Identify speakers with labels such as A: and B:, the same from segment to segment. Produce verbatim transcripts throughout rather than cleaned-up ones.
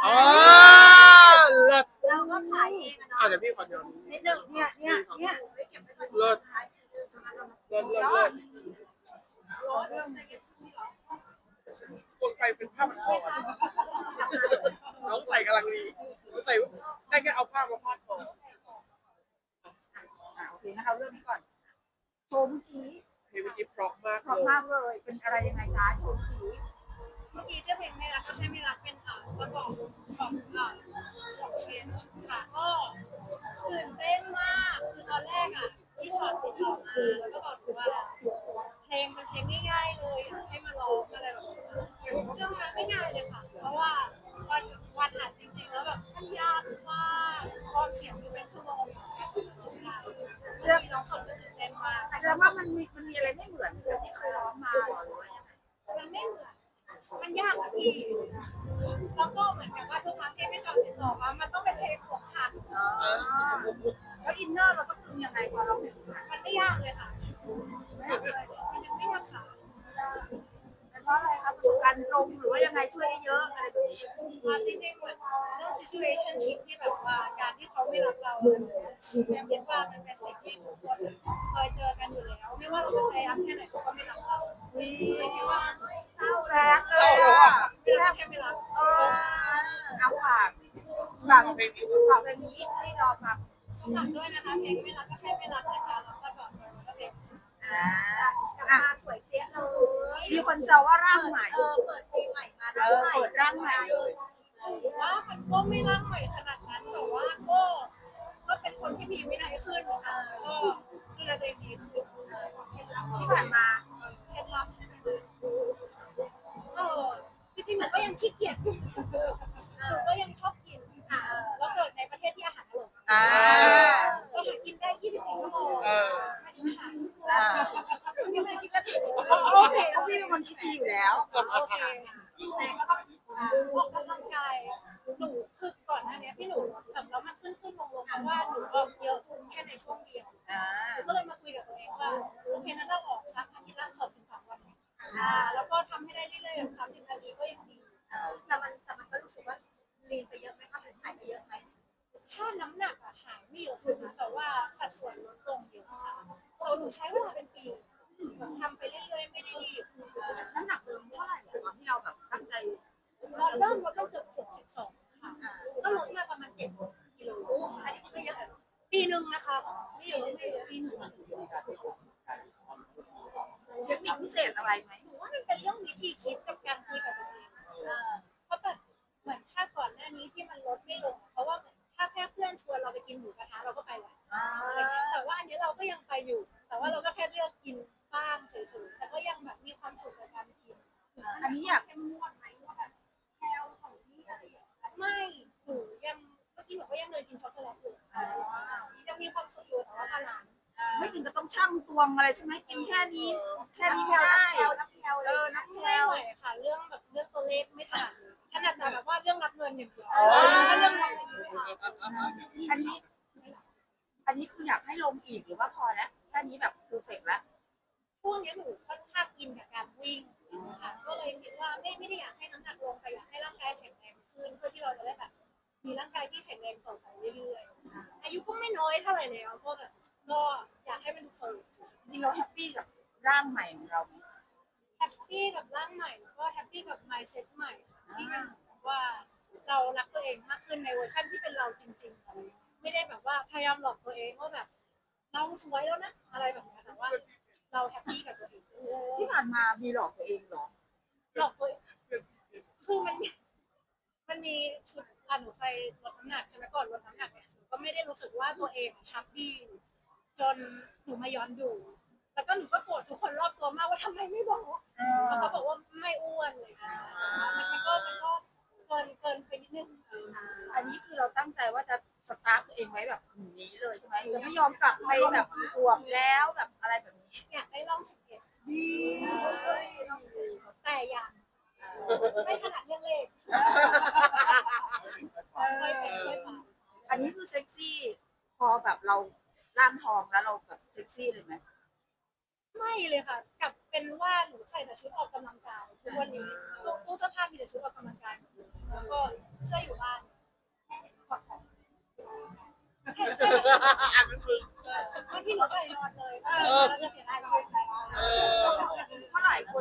A: อ๋อเลิศ
B: เราก็ขายเองอะเนาะ
A: อ่ะเดี๋ยวพี่ขอย้อน
B: นิดหนึ่งเนี่ยเนี่ยเนี่ย
A: เลิศเลิศเลิศเลิศ
B: ร้อนเรื่อง
A: คนไปเป็นผ้าพันคอน้องใส่กำลังดีใส่ได้แค่เอาผ้ามาพาดคอ
C: โอเคนะคะเรื่องนี้ก่อนโชว์เมื่อกี้
A: เพลงเมื่อกี้เพราะมาก
C: เพราะ
A: เลย
C: มากเลยเป็นอะไรยังไงจ๊ะโชว์เมื่อกี้
B: เมื่อกี้ชื่อเพลงไม่รักก็แค่ไม่รักเป็นอ่าประกอบของอ่าของเชนค่ะก็ตื่นเต้นมากคือตอนแรกอ่ะที่ช็อตติดต่อมาแล้วก็บอกว่าเพลงเป็นเพลงง่ายๆเลยอยากให้มาร้องอะไรแบบนี้เชื่อไหมไม่ง่ายเลยค่ะเพราะว่าวันวันอัดจริงๆแล้วแบบมันยากมากตอนเสียงคือเป็นชั่วโมงเรื่องร้องสดก็ตื่นเต้นมาก
C: แสดงว่ามันมีมันมีอะไรไม่เหมือนกับที่เคยร้องมาหรอหรือว่ายังไง
B: มันไม่เหมือน มันยากค่ะพี่ แล้วก็เหมือนกับว่าทุกครั้งที่พี่ชอบติดต่อมามันต้องเป็นเพลงอกหัก
C: อ๋อแล้วอินเนอร์เราต้องทำยังไงพอเราเห็น
B: มันไม่ยากเลยค่ะไม่ยากเลยมันยังไม่ยากค่ะ
C: เพราะอะไรครับประสบการณ์ตรงหรือว่ายังไงช่วยได้เยอะอะไรแบบนี้
B: อ่าจริงๆเหมือนเรื่อง situationship ที่แบบว่าการที่เขาไม่รับเราแอมคิดว่ามันเป็นสิ่งที่ทุกคนเคยเจอกันอยู่แล้ว ไม่ว่าเราจะพยายามแค่ไหนเขาก็ไม่รับเราเลยคิดว่าเศร้า
C: แซดเลยอ่ะ
B: ไม่รับแค่ไม่รับ
C: เออเอาฝากฝากเพลงนี้ฝากเพลงนี้ให้รอฟัง
B: ฝากด้วยนะคะเพลงไม่รักก็แค่ไม่รักนะคะแล้วก็ก่อนก็เพลง
C: อ่า
B: อ่ะสวยเสียเลย
C: มีคนแซวว่าร่างใหม่
B: เออเปิดเพลงใหม่มา
C: เออเปิดร่างใหม่เลย
B: ว่ามันก็ไม่ร่างใหม่ขนาดนั้นแต่ว่าก็ก็เป็นคนที่มีวินัยขึ้นค่ะก็ดูแลตัวเองดีขึ้น
C: ที่ผ่านมา
B: เคล็ดลับใช่ไหมเออจริงๆหนูก็ยังขี้เกียจอยู่หนูก็ยังชอบกินค่ะแล้วเกิดในประเทศที่อาหารอร่อย
C: อ่า
B: เราหากินได้ยี่สิบสี่ชั่วโมง
A: เออ
B: ไม่ถึงอาหาร
C: อ่า
B: ไม่ได้คิดว่าถึง
C: โอเคเพราะพี่เป็นคนคิดดีอยู่แล้ว
B: โอเคแต่ก็ต้องออกกำลังกายหนูคือก่อนหน้านี้ที่หนูแบบแล้วมันขึ้นขึ้นลงลงเพราะว่าหนูออกเยอะแค่ในช่วงเดียว
C: อ่า
B: หนูก็เลยมาคุยกับตัวเองว่าโอเคนั้นเราออกสักอาทิตย์ละสองถึงสามวันอ่าแล้วก็ทำให้ได้เรื่อยๆสามสิบนาทีก็ยังดีแต่มันแต่มันก็รู้สึกว่าลีนไปเยอะไหมคะหรือหายไปเยอะไหมถ้าน้ำหนักอะหายไม่เยอะนะคะแต่ว่าสัดส่วนลดลงเยอะค่ะเราหนูใช้เวลาเป็นปีทำไปเรื่อยๆไม่ได้รีบ
C: น้ำหนักเดิมเท่าไหร่อะตอนที่เราแบบตั้งใจ
B: ตอนเริ่มลดเราเกือบหกสิบสองค่ะก็ลดมาประมาณเจ็ดกิโลอันนี้ไม่เยอะปีหนึ่งนะคะไม่เยอะไม่เยอะปีหนึ่ง
C: เทคนิคพิเศษอะไรไหม
B: หนูว่ามันเป็นเรื่องวิธีคิดกับการคุยกับตัวเองเพราะแบบเหมือนถ้าก่อนหน้านี้ที่มันลดไม่ลงเพราะว่าถ้าแค่เพื่อนชวนเราไปกินหมูกระทะเราก็ไปแหละแต่ว่าอันนี้เราก็ยังไปอยู่ แต่ว่าเราก็แค่เลือกกินบ้างเฉยๆแต่ก็ยังแบบมีความสุขกับการกิน
C: อันนี้อยาก
B: เข้มงวดไหมว่าแบบแคลของนี่อะไรอย่างเงี้ยไม่หนูยังเมื่อกี้หนูก็ยังเลยกินช็อกโกแลตอยู่ยังมีความสุขอยู่แต่ว่าบาลานซ์
C: ไม่ถึงกับต้องชั่งตวงอะไรใช่ไหมกินแค่นี้ แค่นี้ไม่ได้
B: นับแคล
C: เออนับแค
B: ไม่
C: ล
B: ไหวค่ะเรื่องแบบเรื่องตัวเลขไม่ถนัดถนัดแต่แบบว่าเรื่องรับเงินอย่างเดียว
C: อ๋อ
B: ถ้าเรื่องรับเงินไม่เอา
C: อันนี้ อันนี้คืออยากให้ลงอีกหรือว่าพอแล้วแค่นี้แบบเพอร์เฟกต์แล้ว
B: ช่วงนี้หนูค่อนข้างอินกับการวิ่งค่ะก็เลยคิดว่าไม่ไม่ได้อยากให้น้ำหนักลงแต่อยากให้ร่างกายแข็งแรงขึ้นเพื่อที่เราจะได้แบบมีร่างกายที่แข็งแรงต่อไปเรื่อยๆอายุก็ไม่น้อยเท่าไหร่แล้วก็แบบก็อยากให้มันเฟิร์ม
C: จริงเราแฮปปี้กับร่างใหม่ของเราไหม
B: แฮปปี้กับร่างใหม่แล้วก็แฮปปี้กับ mindset ใหม่ที่มันแบบว่าเรารักตัวเองมากขึ้นในเวอร์ชันที่เป็นเราจริงๆไม่ได้แบบว่าพยายามหลอกตัวเองว่าแบบเราสวยแล้วนะอะไรแบบนี้แต่ว่าเราแฮปปี้กับตัวเอง
C: ที่ผ่านมามีหลอกตัวเองเหรอ
B: หลอกตัวเองคือมันมันมีชุดอ่ะหนูเคยลดน้ำหนักใช่ไหมก่อนลดน้ำหนักเนี่ยหนูก็ไม่ได้รู้สึกว่าตัวเองชับบี้จนหนูมาย้อนดูแล้วก็หนูก็โกรธทุกคนรอบตัวมากว่าทำไมไม่บอกแล้วเขาบอกว่าไม่อ้วนเลยมันมันก็มันก็เกินเกินไปนิดนึง
C: อันนี้คือเราตั้งใจว่าจะสตาร์ทตัวเองไว้แบบนี้เลยใช่ไหมจะไม่ยอมกลับไปแบบอวบแล้วแบบอะไรแบบนี้
B: อยากได้ร่องสิบเอ็ดแต่ยังไม่ถนัดเรื่องเลขค่อยเป็นค่อยไป
C: อันนี้คือเซ็กซี่ พอแบบเราร่างทองแล้วเราแบบเซ็กซี่เลยไหม
B: ไม่เลยค่ะกลับเป็นว่าหนูใส่แต่ชุดออกกำลังกายทุกวันนี้ตู้ตู้เสื้อผ้ามีแต่ชุดออกกำลังกายแล้วก็เสื้อสื้ออยู่บ้านแค่แค่แบบ
A: อ่านเป็นมึง
B: บางทีหนูใส่นอนเลยเราจะเสียดายชุด
A: เออ
C: เพราะหลายคน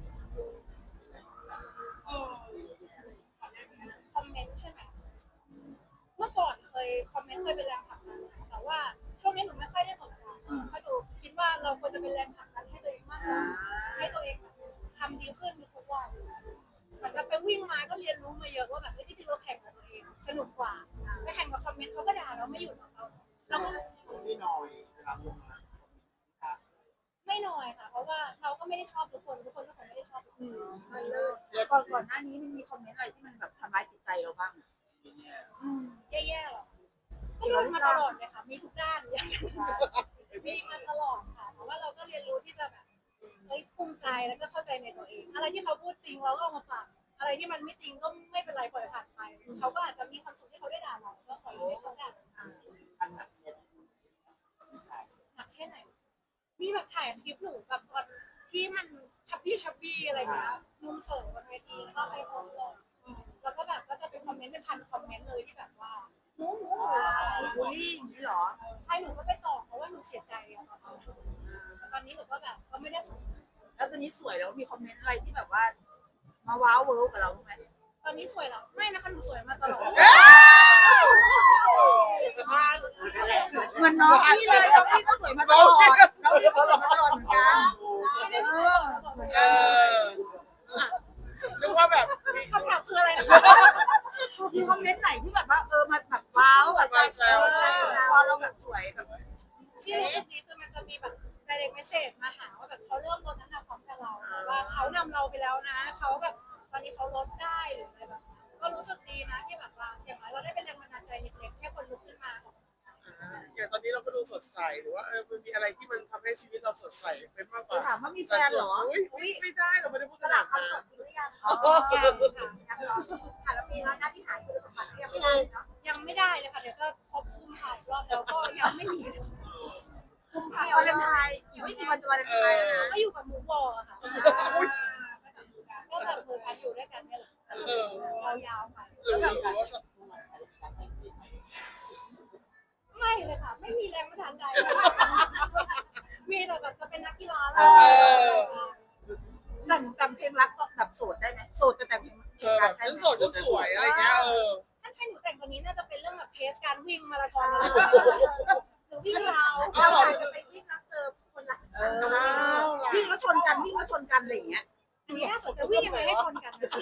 B: คอมเมนต์ใช่ไหมเมื่อก่อนเคยคอมเมนต์เคยเป็นแรงผลักดันแต่ว่าช่วงนี้หนูไม่ค่อยได้สนใจเพราะหนูคิดว่าเราควรจะเป็นแรงผลักดันให้ตัวเองมากกว่าให้ตัวเองทำดีขึ้นทุกวันเหมือนกับไปวิ่งมาก็เรียนรู้มาเยอะว่าแบบที่จริงเราแข่งกับตัวเองสนุกกว่าไปแข่งกับคอมเมนต์เขาก็ด่าเราไม่หยุดเราเราก็
D: ไม่น้อยนะครับลงมา
B: ไม่น้อยค่ะ เพราะว่าเราก็ไม่ได้ชอบทุกคนทุกคนก็คงไม่ได้ชอบทุกคน
C: มันเลิกก่อนก่อนหน้านี้มันมีคอมเมนต์อะไรที่มันแบบทำร้ายจิตใจเราบ้าง
B: อืมแย่ๆหรอก็โดนมาตลอดเลยค่ะ มีทุกด้านมีมาตลอดค่ะแต่ว่าเราก็เรียนรู้ที่จะแบบเฮ้ยภูมิใจแล้วก็เข้าใจในตัวเอง อะไรที่เขาพูดจริงเราก็เอามาปรับอะไรที่มันไม่จริงก็ไม่เป็นไรปล่อยผ่านไปเขาก็อาจจะมีความสุขที่เขาได้ด่าเราก็ขอให้เขาด่า
D: อันหนักเนี่ย
B: หนักแค่ไหน มีแบบถ่ายคลิปหนูแบบตอนที่มันชับบี้ชับบี้อะไรเงี้ยมุมเสริมบนเวทีแล้วก็ไปโพสต์ลงแล้วก็แบบก็จะเป็นคอมเมนต์เป็นพันคอมเมนต์เลยที่แบบว่าหนูหนูหนูอะไร
C: บูลลี่อย่างนี้เหรอ
B: ใช่หนูก็ไปตอบเพราะว่าหนูเสียใจอะตอนนั้นแต่ตอนนี้หนูก็แบบก็ไม่ได้สนใจ
C: แล้วตอนนี้สวยแล้วมีคอมเมนต์อะไรที่แบบว่า มาว้าวเวิร์กกับเราไหม
B: ตอนนี้สวยแล้วไม่นะคะหนูสวยมาตลอด
C: เหมือนน้องพี่เลยน้องพี่ก็สวยมาตลอดน้องพี่ก็สวยมาตลอดเหมือนกัน
B: ไม่ได้
C: เอ
B: สวย
C: อ
B: มาตลอด
A: เออนึกว่าแบบมี
B: คำถามคืออะไรนะ
C: มีคอมเมนต์ไหนที่แบบว่าเออมันแบบว้าวแบบเออพอเราแบบสวยแบบ
B: ที่รู้สึกดีคือมันจะมีแบบ direct message มาหาว่าแบบเขาเริ่มลดน้ำหนักพร้อมกับเราว่าเขานำเราไปแล้วนะเขาแบบตอนนี้เขาลดได้หรืออะไรแบบก็รู้สึกดีนะที่แบบว่าอย่างน้อยเราได้เป็นแรงบันดาลใจเล็กๆแค่คนลุกขึ้นมา
A: อย่างตอนนี้เราก็ดูสดใสหรือว่าเออมันมีอะไรที่มันทำให้ชีวิตเราสดใสเป็นมากกว่า
C: ถามว่ามีแฟนเหรอ
A: อุ้ยไม่ได้เราไม่ได้พูด
C: ส
A: ข
C: ลั
A: นา
C: บ
A: ด
C: คำ
A: นั้
C: ตอบ
A: น
C: จริงหรือยัง
B: อ๋อยังค่ะ
C: ยังเหรอค่ะแล้วมีแล้วหน้าที่หายคือสมบัติยังไม่ได้เนาะ
B: ยังไม่ได้เลยค่ะเดี๋ยวจะครบคุมถ่ายรอบแล้วก็ยังไม่มี
C: กุมภาพันธ์วาเลนไทน์อีกไม่กี่วันจะวาเลนไทน์แล้วนะ
B: ก็อยู่กับมูวอลค่ะก็จับมือกันอยู่ด้วยกันเนี่ยแหละ
A: เออย
B: าวๆไป
A: หรือว่า
B: ไม่เลยค่ะ ไม่มีแรงบันดาลใจมีแต่แบบจะเป็นนักกีฬา
A: เออ
C: แต่งแต่งเพลงรักแบบโสดได้ไหมโสดแต่แต่งเพลง
A: เออแบบฉันโสดฉันสวยอะไรเงี้ยเออ
B: ถ้าให้หนูแต่งตัวนี้น่าจะเป็นเรื่องแบบเพจการวิ่งมาราธอนหรือวิ่งราว
C: เราอาจจะไปวิ่งแล้วเจอคนรักวิ่งแล้วชนกันวิ่งแล้วชนกันอะไรอย่างเงี้ย
B: อันนี้น่าสนใจวิ่งยังไงให้ชนกันนะคะ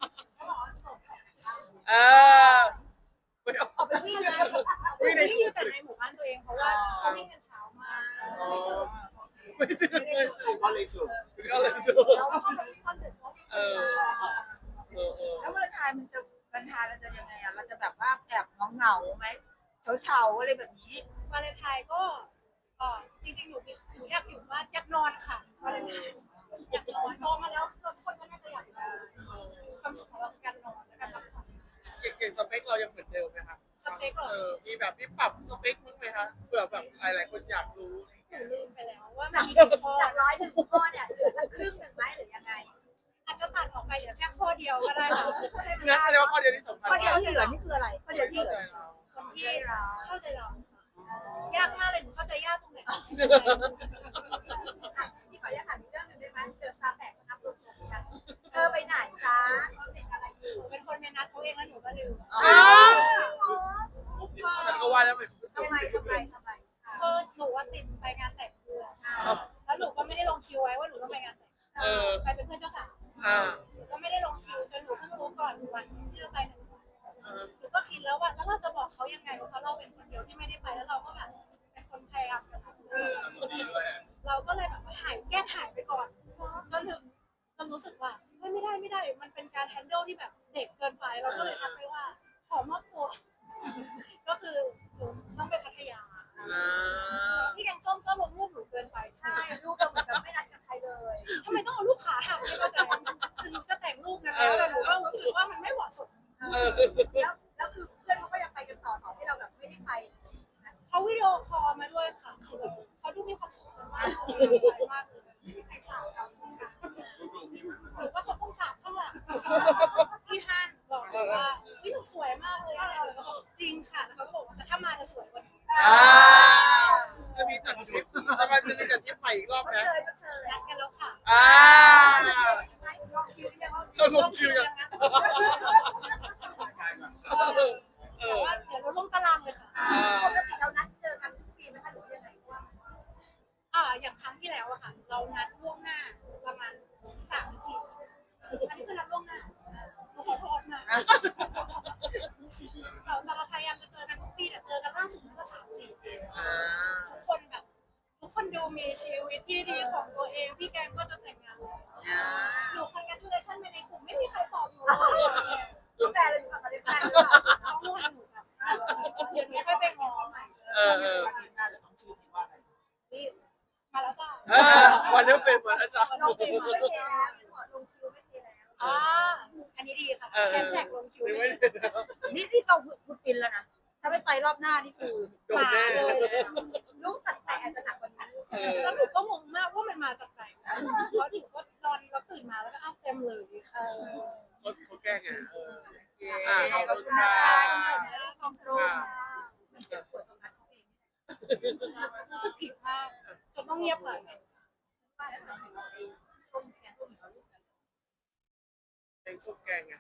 A: เออไม่เอา
C: ออกไปวิ่งนะ
B: วิ่งอยู่แต่ในหมู่บ้านตัวเองเพราะว่าเขาวิ่งกันเช้ามาก
A: ไม่ถึงเลย
D: ก็เลยสุด
A: ก็เลยสู้
B: เราชอบแบบวิ่งตอนดึกเพราะ
A: เออเออเออ
C: แล้ววาเลนไทน์มันจะวาเลนไทน์เราจะยังไงอ่ะเราจะแบบว่าแอบเหงาๆไหมเฉาๆอะไรแบบนี้
B: วาเลนไทน์ก็เออจริงๆหนูหนูอยากอยู่บ้านอยากนอนค่ะวาเลนไทน์อยากนอนโตมาแล้วทุกคนก็น่าจะอยากนอนความสุขของเราคือการนอนและการพักผ่อน
A: เก่งๆสเปคเรายังเหมือนเดิมไหมคะ
B: สเปคเหรอ
A: เออมีแบบที่ปรับสเปคมั้งไหมคะเผื่อแบบหลายๆคนอยากรู้
B: หนูลืมไปแล้วว่ามันมีกี่ข้อ
C: จากร้อยหนึ่งข้อเนี่ยเหลือครึ่งหนึ่งไหมหรือยังไง
B: อาจจะตัดออกไปเหลือแค่ข้อเดียวก็ได้ค่ะ
A: งั้นแสดงว่าข้อเดียวที่สำคัญ
C: ข้อเดียวที่เหลือนี่คืออะไรข้อเดียวที่
A: เข้า
C: เหลื
A: ใจ
C: อ
A: เรา
B: คนที่เข้าใจเรายากมากเลยหนูเข้าใจยากตรงไหน
C: พี่ขออนุญาตถามอีกเรื่องหนึ่งได้ไหมเจอตาแตกนับรวมกันเธอไปไหนคะเขาติดอะไรอยู่
B: หนูเป็นคนในนัดเขาเองแล้วหนูก็ลืม
A: ฉันก็ว่าแล้วมัน
C: ทำไมทำไมทำไม
B: คือหนูว่าติดไปงานแต่งเพื่อนแล้วหนูก็ไม่ได้ลงคิวไว้ว่าหนูต้องไปงานแต่ง
A: เออ
B: ไปเป็นเพื่อนเจ้าสาว
A: อ่า
B: หนูก็ไม่ได้ลงคิวจนหนูเพิ่งรู้ก่อนวันที่จะไปหนึ่งวัน
A: เออ
B: หนูก็คิดแล้วว่าแล้วเราจะบอกเขายังไงเพราะเราเป็นคนเดียวที่ไม่ได้ไปแล้วเราก็แบบเป็นคนพยายามจะทำเราก็เลยแบบหายแก้หายไปก่อนจนถึงจนรู้สึกว่าเฮ้ยไม่ได้ไม่ได้ มันเป็นการแฮนเดิลที่แบบเด็กเกินไปเราก็เลยทักไปว่าขอมอบตัว ก็คือหนูต้องไปพัทยา
A: อ่า
B: พี่แกงส้มก็ลงรูปหนูเกินไป
C: ใช่รูปเราเหมือนแบบไม่นัดกับใครเลย
B: ทำไมต้องเอารูปขาหักไม่เข้าใจคือหนูจะแต่งรูปนะแล้วแต่หนูก็รู้สึกว่ามันไม่เหมาะสม
A: เออ
C: แล้วแล้วคือเพื่อนเขาก็ยังไปกันต่อต่อที่เราแบบไม่ได้ไป
B: เขาวิดีโอคอลมาด้วยค่ะเขาดูมีความสุขมากมากเลยใส่ขาวดำหรือว่าเขาคงสาบข้างหลังพี่ฮันบอกว่าวิหนูสวย
A: อ่าจะมีจัดทริปจะมันจะมีจัดทริปใหม่อีกรอบไหม
C: เชยเชย
B: นัดกันแล้วค่ะ
A: อ่า
C: ลองคิวยัง
A: เราลงคิวยัง
B: นะ
A: เออเอ
B: แต่
A: อ
B: ว่าเดี๋ยวเราลงตารางเลยค่ะ
A: อ่า
C: ปกติเรานัดเจอกันทุกปีไหมคะหรือยังไงว่า
B: อ่าอย่างครั้งที่แล้วอะค่ะ เรานัดล่วงหน้าประมาณสามสี่อันนี้คือนัดล่วงหน้าหนูขอโทษนะเราเราพยายามจะเจอกันทุกปีแต่เจอกันล่าสุดน่าจะสามสี่ปี
A: อ่า
B: ทุกคนแบบ ทุกคนดูมีชีวิตที่ดีของตัวเองพี่แกงก็จะแต่งงานแล้วหนูคอนแกรจูเลชั่นไปในกลุ่มไม่มีใครตอบหนูเลย
C: ตั้งแต่เลยตั้งแต่ได้แฟนหรือเปล่า
B: น้องวันหนูแบบเดี๋ยวนี้ค่อยไปง้อใหม่
A: เออเออ
D: อาทิตย์หน้าจะต้องชื่อที่ว่าอะไร
B: นี่มาแล้วจ้า
A: เออวันนี้เป็นวันอาจารย์
C: ลงคิวไม่เทแล้วลงคิวไม่เทแล้ว
B: อ่าอันนี้ดีค่ะ
A: เออ
B: แฮชแท็กลงคิว
A: ไม่
B: เลย
A: ได้
C: นี่ที่เราพูดปินแล้วนะ ถ้าไม่ไปรอบหน้านี่คือ
A: โดนแน่
C: ลูกตัดแต่อาจจะหนักกว่านี้
A: เออ
B: แล้วหนูก็งงมากว่ามันมาจากไหนเพราะหนูก็นอนแล้วตื่นมาแล้วก็อ้าวเต็มเลย
C: เออ
A: เขาเขาแก้ไงเออ
C: อ่า
A: อ่า
C: ข
A: ข
C: อ
A: อ
C: บบ คุ
A: คุณ ณ
C: ค่ะ
A: ค่ะ
C: ขอบคุณค่ะมันเจ็บปวดตรงนั้นเขาเอง
B: รู้สึกผิดมากจนต้องเงียบเลย
C: ป้าแล้วทำให้เราเองต้มแกงต้มเหนียวลูกกัน
A: แกงส้มแกงไง